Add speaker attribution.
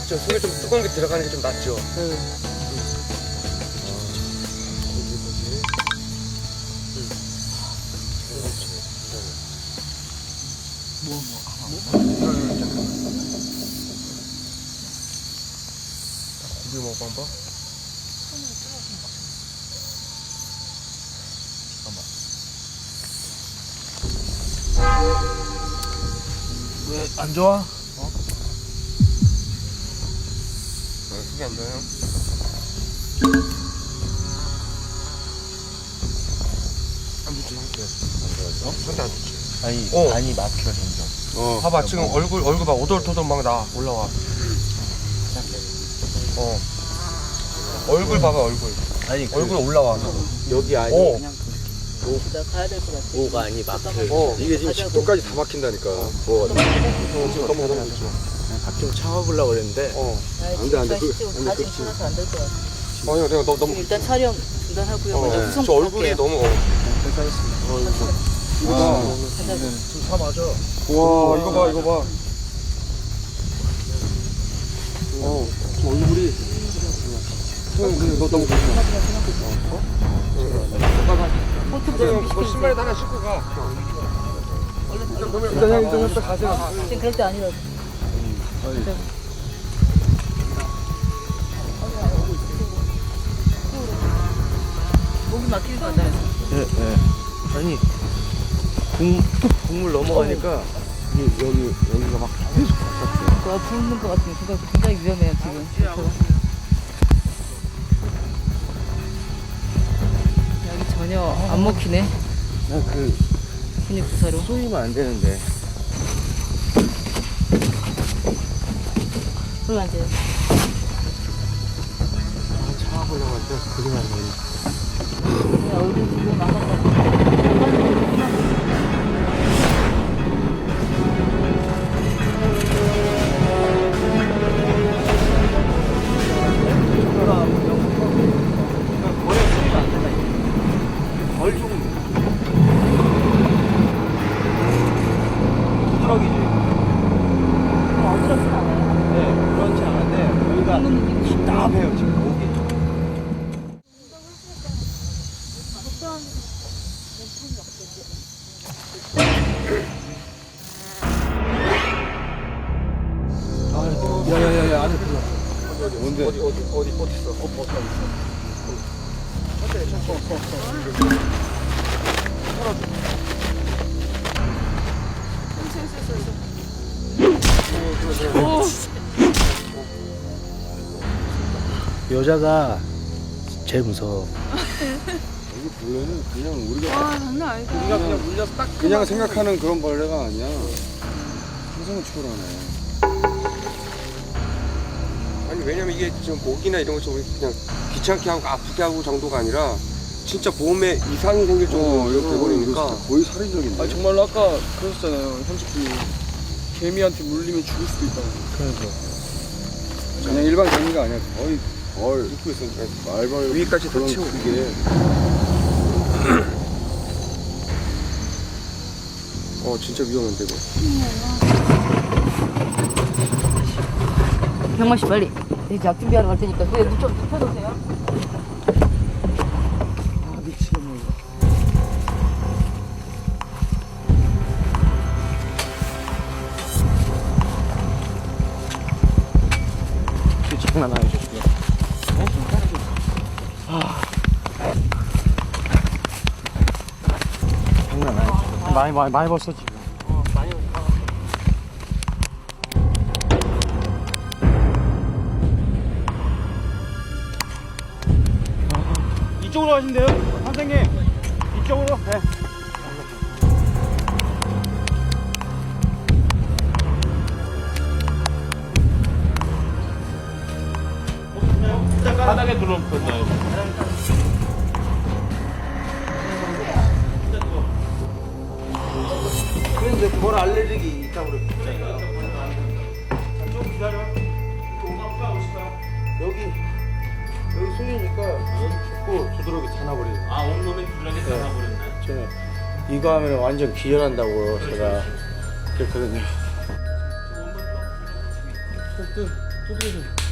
Speaker 1: 그쵸, 속에 좀 뜨거운 게 들어가는 게 좀 낫죠. 고기 먹어봐.
Speaker 2: 왜 안 좋아?
Speaker 1: 속이 안 좋아요? 안 좋지, 상태. 상태 안 좋지.
Speaker 2: 아니,
Speaker 1: 어.
Speaker 2: 많이 막혀, 점점.
Speaker 1: 봐봐, 지금 얼굴 봐. 오돌토돌 막 올라와. 얼굴 봐봐, 얼굴.
Speaker 2: 아니,
Speaker 1: 얼굴 올라와.
Speaker 2: 여기 아니,
Speaker 3: 가야 될 것 같아.
Speaker 2: 뭐가 아니, 막혀.
Speaker 4: 이게 지금 10도까지 다 막힌다니까. 뭐
Speaker 1: 지금 너무 좋죠.
Speaker 2: 좀 참아보려고 그랬는데.
Speaker 4: 안 돼, 안 돼.
Speaker 3: 지금
Speaker 4: 안 돼,
Speaker 3: 가지 않아서 안 될 것 같아.
Speaker 1: 아니요, 내가 너무.
Speaker 3: 일단 촬영 중단하고요. 먼저 구성
Speaker 1: 저 얼굴이
Speaker 3: 부탁해요.
Speaker 1: 너무.
Speaker 2: 좀 참아줘.
Speaker 4: 와, 이거 봐, 이거 봐. 저 얼굴이. 형, 너 너무 고생해.
Speaker 1: 뭐 신발에다 하나 신고 가.
Speaker 4: 일단 형, 좀 이따 가세요.
Speaker 3: 지금 그럴 때 아니라고. 목이 막히는 거 같아요.
Speaker 2: 네. 아니, 국물 넘어가니까, 여기가 막 계속 바삭해.
Speaker 3: 그거 붓는 것 같으면 그거 굉장히 위험해요 지금. 여기 전혀 안 먹히네.
Speaker 2: 나
Speaker 3: 근육 부사로.
Speaker 2: 쏘이면 안 되는데.
Speaker 3: 그러면 안 돼요.
Speaker 2: 참아보려고 했는데, 그게 안 되네.
Speaker 3: 야, 우리 지금 나갔다. 어지럽진 않아요.
Speaker 2: 네, 그렇지 않은데, 여기가 답답해요, 지금 목이.
Speaker 4: 야야야야, 안에 들어. 뭔데?
Speaker 1: 어디 있어?
Speaker 2: 여자가 제일 무서워.
Speaker 4: 여기 벌레는 그냥 우리가
Speaker 5: 와 장난 아니다.
Speaker 1: 우리가 그냥 물려서 딱
Speaker 4: 그냥 생각하는 그런 벌레가 아니야. 상상을 초월하네.
Speaker 1: 아니 왜냐면 이게 지금 목이나 이런 것좀 그냥 귀찮게 하고 아프게 하고 정도가 아니라 진짜 몸에 이상이 생길 정도로 이렇게 돼버리니까.
Speaker 4: 거의 살인적인데.
Speaker 6: 아 정말로 아까 그러셨잖아요 현직분이 개미한테 물리면 죽을 수도 있다고.
Speaker 2: 그러니까.
Speaker 4: 그냥 일반 개미가 아니야. 거의 벌,
Speaker 1: 입고 있으니까
Speaker 4: 말벌
Speaker 1: 위까지 다
Speaker 4: 그런
Speaker 1: 채우고.
Speaker 4: 그게.
Speaker 1: 진짜 위험한데 이거.
Speaker 3: 병만 씨 빨리. 이제 약 준비하러 갈 테니까 그래 눈좀 펴놓으세요.
Speaker 6: 미치겠네 이거.
Speaker 2: 장난 아니죠, 지금. 장난 아니죠. 많이 벌써 지금.
Speaker 6: 이쪽으로 가신대요 선생님. 이쪽으로. 네.
Speaker 2: 바닥에 들어오셨나요? 그런데 벌 알레르기 있다고 그랬잖아요. 좀 기다려. 여기 쏘이니까 여기 죽고 두드러기 타나버리네.
Speaker 7: 아, 온몸에 두드러기 타나버렸네.
Speaker 2: 제가 이거 하면 완전 기절한다고 제가 그랬거든요.
Speaker 3: 두드려.